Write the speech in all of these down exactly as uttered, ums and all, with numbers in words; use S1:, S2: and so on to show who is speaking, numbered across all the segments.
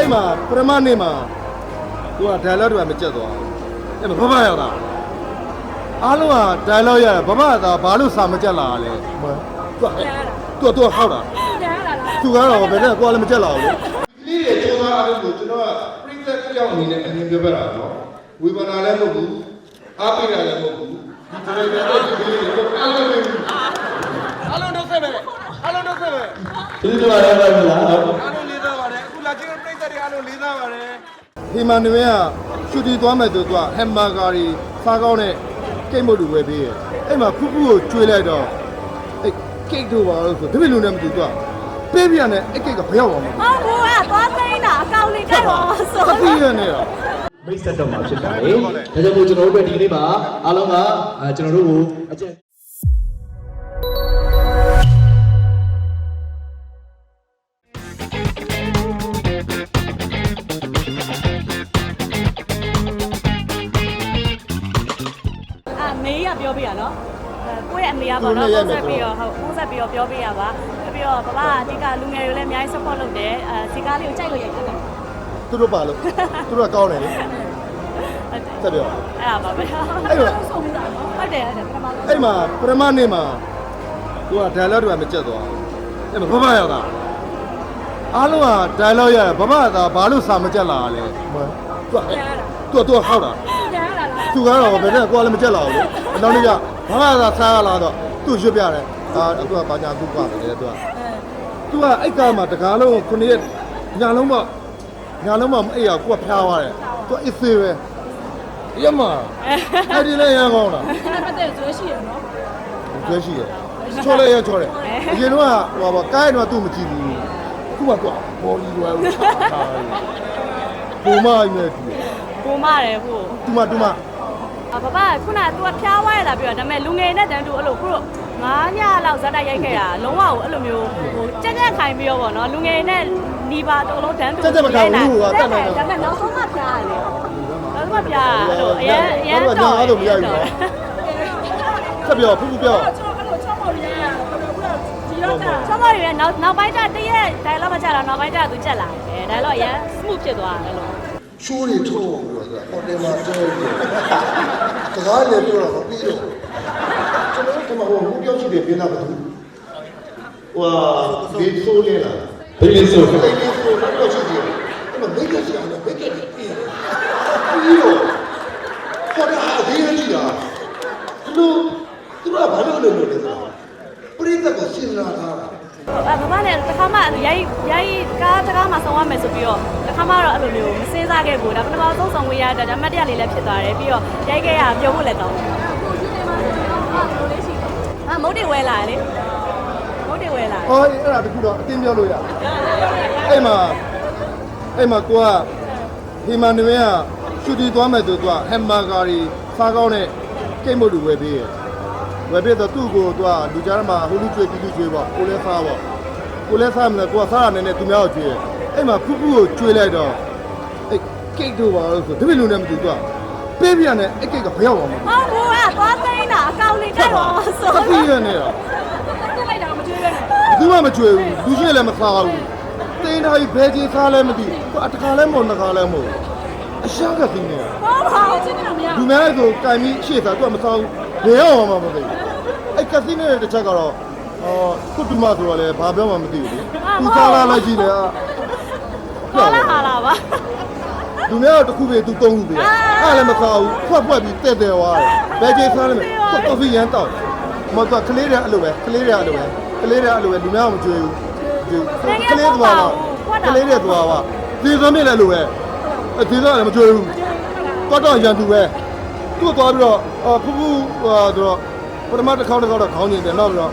S1: အဲ့မှာပရမနေမှာသူက dialogue တွေမကြက်သွားအဲ့မှာဘဘရောက်တာအားလုံးက dialogue ရတယ်ဘဘကဘာလို့စာမကြက်လာလဲသူကသူကသူကဟောက်တာသူကတော့ဘယ်နဲ့ကိုယ်လည်းမကြက်လာဘူးလေဒီရဲ့စူးစမ်းအားလုံးကိုကျွန်တော်ကပြိသက်ကြောက်အနေနဲ့အမြင်ပြောပြတာနော်ဝေဘာနာလည်းမဟုတ်ဘူးအားပေးတာလည်းမဟုတ်ဘူးဒီဒရိုက်တာတို့ဒီလေးကိုအားလုံးပဲအားလုံးတော့ဆက်ပဲအားလုံးတော့ဆက်ပဲ
S2: ဒီလိုပါလဲပါလား
S1: အားလုံးလေးသားပါတယ်အခုလာချင်းပြိသက်တွေအားလုံးလေးသားပါတယ်ဟီမန်နွေကရှူတီသွားမယ်ဆိုတော့ဟမ်ဘာဂါရီစားကောင်းတဲ့ကိတ်မုတ်လူဝယ်ပေးရဲ့အဲ့မှာဖူးဖူးကိုကျွေးလိုက်တော့အဲ့ကိတ်တို့ပါလို့ဆိုတပည့်လူနဲ့မတူတော့ပေးပြန်တဲ့အဲ့ကိတ်ကဘယ်ရောက်အောင်လဲ
S3: ဟုတ်ဘူးကသွားသိမ်းတာအကောင်လေးတိုက်ပါဆို
S1: သတိရနေတာ
S2: မိတ်ဆက်တော့မှာဖြစ်ပါတယ်ဒါကြောင့်မို့ကျွန်တော်တို့ဒီနေ့မှာအားလုံးကကျွန်တော်တို့ကိုအကျဉ်း
S3: မေးရပြောပြရနော်ကိုယ့်ရဲ့အမေကပေါ့နော်ပုံစံပြီးတော့ဟုတ်ပုံစံပြီးတော့ပြောပြရပါပြီးတော့ဘဘကအဓိကလူငယ်တွေလည်းအများကြီး support လုပ်တယ်အဲစီကားလေးကိုကြိုက်လို့ရိုက်တယ်
S1: သူတို့ပါလို့သူတို့ကကောင်းတယ်လေဆက်ပြော
S3: အဲ့ဒါပါပဲအဲ့တော့ဆုံးပြီးတာနော်ဟုတ်တယ်ဟုတ်တယ်ပထမ
S1: အဲ့မှာပထမနေ့မှာသူက dialogue တွေမကြက်သွားအဲ့မှာဘဘရောက်တာအားလုံးက dialogue ရတယ်ဘဘကဘာလို့စာမကြက်လာလဲသူကသူကဟောက်တာသူကတော့ဘယ်နဲ့ကိုယ်လည်းမကြက်လာဘူးလေအနောက်နေ့ကဘာမှသာဆားရလာတော့သူ့ရွတ်ပြတယ်အာသူကဘာညာသူ့ပါတယ်သူကသူကအိတ်ကမှာတကားလုံးခုနှစ်ရက်ညာလုံးမညာလုံးမမအိတ်ရကိုကဖျားသွားတယ်သူကအစ်သေးပဲရမအဲ့ဒီလည်းရန်ကောင်းတာ
S3: အဲ့ဒါတဲ့ဇွဲရှိရနော်
S1: ဇွဲရှိရချောလဲရချောတယ်အရင်တော့ဟိုပါကိုင်းတော့သူ့မကြည့်ဘူးခုမှတော့ဘောလီလွယ်လို့ချတာပုံမကြီးနဲ့တူ
S3: ပုံမတယ်ဟို
S1: တူမတူမ
S3: အဘဘခုနက तू ကဖျားဝါရလာပြီးတော့ဒါပေမဲ့လူငယ်နဲ့တန်းတူအဲ့လိုခုတော့ငါးညလောက်ဇက်တိုက်ရိုက်ခဲ့တာလုံးဝကိုအဲ့လိုမျိုးဟိုကြက်ကြက်ခိုင်ပြီးတော့ဗောနော်လူငယ်နဲ့နီးပါတော်လုံးတန်းတူ
S1: ကြက်ကြက်မခိုင်ဘူးကတက်နေတယ်
S3: ဒါပေမဲ့နောက်ဆုံးမှဖျားရတယ်နောက်ဆုံးမှဖျားအဲ့လိုအရင်အရင်
S1: တော့အဲ့လိုမရဘူးဆက်ပြောဖူးဖူးပြော
S3: အဲ့လိုချောင်းမော်ရရဒီတော့ချောင်းမော်ရနောက်နောက်ပိုင်းကျတရက် dialogue မကြတော့နောက်ပိုင်းကျ तू ကြက်လာတယ် dialogue အရင် smooth ဖြစ်သွားတယ်အဲ့လို
S1: ရှိုးတွေထုတ်ပြီးတော့ဟိုတယ်မှာကျဲတယ်တကားလည်းပြောတော့ပြီးတော့ကျွန်တော်ကမှဟိုဘူးပြောချင်တယ်ပြင်လာပါဘူးဟိုဒီဆိုးလေလား
S2: ဘယ်လိုဆို
S1: ဘယ်လိုဆိုတော့ချစ်တယ်အဲ့တော့မိတ်ကစီအောင်မိတ်ကစီပြီးတော့ဟိုတာအသေးကြီးတာသူတို့သူတို့ကဘာလို့လုပ်လို့လဲဆိုတော့ပရိသတ်ကစဉ်းစားထားတာ
S3: အဘဘနဲ့တခါမှရိုက်ရိုက်ကားတကားမှဆောင်ရမယ်ဆိုပြီးတော့တခါမှတော့အဲ့လိုမျိုးမစင်းစားခဲ့ဘူးဒါပထမဆုံးဆောင်ဝေးရတာဒါမှတ်တရလေးလည်းဖြစ်သွားတယ်ပြီးတော့ရိုက်ခဲ့ရပြောဖို့လည်းကောင်းတယ်အခုဒီနေ့မှဆိုတော့ဘယ်လိုလေးရှိလဲဟာမုတ်တွေဝဲလာလေမုတ်တွေဝဲလာ
S1: အော်အဲ့ဒါတခုတော့အတင်းပြောလို့ရအဲ့မှာအဲ့မှာကိုကဟီမန်နွေကရှူတီသွားမယ်ဆိုတော့ဟမ်ဘာဂါရီစားကောင်းတဲ့ကိတ်မုတ်လူဝယ်ပေးရဝယ်ပေးတော့သူ့ကိုသူကလူကြားမှာဟိုလူကျွေးပြီးလူကျွေးပေါ့ကိုလည်းစားပေါ့ကိုလည်းစားမလဲကိုကစားရနေနေသူများကိုကျွေးအဲ့မှာဖူးဖူးကိုကျွေးလိုက်တော့အဲ့ကိတ်တို့ပါလို့ဆိုတပည့်လူနဲ့မတူတော့ပေးပြန်တဲ့အဲ့ကိတ်ကဘယ်ရောက်အောင်လဲ
S3: ဟုတ်ဘူးကသွားသိမ်းတာအကောင်လေးတိုက်ပါဆို
S1: သတိရနေတာ
S3: တက်လိုက်တာမကျွေးပဲ
S1: ဘူးမှမကျွေးဘူးလူရှိလည်းမစားဘူးသိမ်းထားပြီးဘယ်ကြီးစားလဲမသိဘူးအတခါလဲမဟုတ်နှစ်ခါလဲမဟုတ်အရှာကသိနေတာ
S3: ဟုတ်ပါဘူးချင်းနေတာမရ
S1: လူများဆိုကင်ပြီးရှေ့စားသူကမစားဘူးဘယ်ရောက်အောင်မှမသိဘူးအဲ့ကသိနေတဲ့တစ်ချက်ကတော့အော်ကုတ္တမဆိုတော့လည်းဘာပြောမှမသိဘူးလေသူစားလာလိုက်ကြည့်လေ
S3: ဟာလာဟာလာပါ
S1: လူများတော့တစ်ခုပဲသူသုံးခုပဲအဲ့လည်းမစားဘူးဖွက်ဖွက်ပြီးတဲ့တဲ့သွားတယ်ဘယ်ကြီးစားလဲကော်ဖီရမ်းတောက်မတော့ကလေးတွေအဲ့လိုပဲကလေးတွေအဲ့လိုပဲကလေးတွေအဲ့လိုပဲလူများမကြွေးဘူးကလေးသွားတော့ကလေးတွေသွားပါဒီသမီးလည်းလိုပဲအဒီသားလည်းမကြွေးဘူးတော့တော့ရန်သူပဲသူ့သွားပြီးတော့ဖူးဖူးဟိုတော့ပထမတစ်ခေါက်တစ်ခေါက်တော့ခေါင်းကျင်တယ်နောက်ပြီးတော့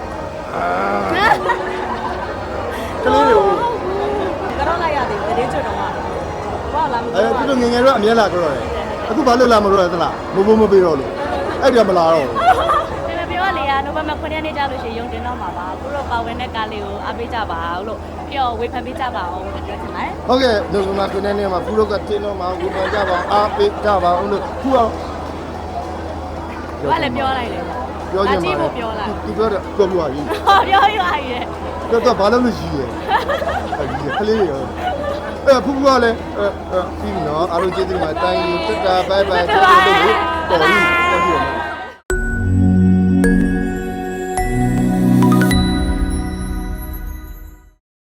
S1: ကလေးတွေ
S3: ကတော့လိုက်ရတယ်တရေကျွတ်တော့မှာဘာလာမလို့
S1: အဲသူတို့ငငယ်တော့အမြဲလာကြတော့တယ်အခုဘာလို့လာမလို့လဲသလားမဘိုးမပေးတော့လို့အဲ့ဒီမလာတော့ဘူး
S3: တယ်ပြောလေကနိုဘယ်မှာခုနှစ်ရက်နေကြလို့ရှိရင်ယုံတင်တော့မှာပါအခုတော့ပါဝင်တဲ့ကားလေးကိုအားပေးကြပါအောင်လို့ပြီးတော့ဝေဖန်ပေးကြပါအောင်လို့ပြောချင်ပါတယ်
S1: ဟုတ်ကဲ့နိုဘယ်မှာခုနှစ်ရက်နေမှာဘူးတော့ကတင်းတော့မှာဝေဖန်ကြပါအားပေးကြပါအောင်လို့ခုအောင်
S3: ဘာလဲပြောလိုက်လေ
S1: ပြောချင်ပါ
S3: ပြောလိုက်
S1: သူပြောတယ်ပြောပြပါကြီး
S3: ဟောပြောရရရဲ့
S1: တော့ဘာလို့လို့ရှိရဲခလေးရောအဲဖူးဖူးကလည်းအဲပြီးပြီနော်အားလုံးကျေးဇူးတင်ပါတယ် thank you တက်တာ bye bye တော်ပြီတော်ပြီ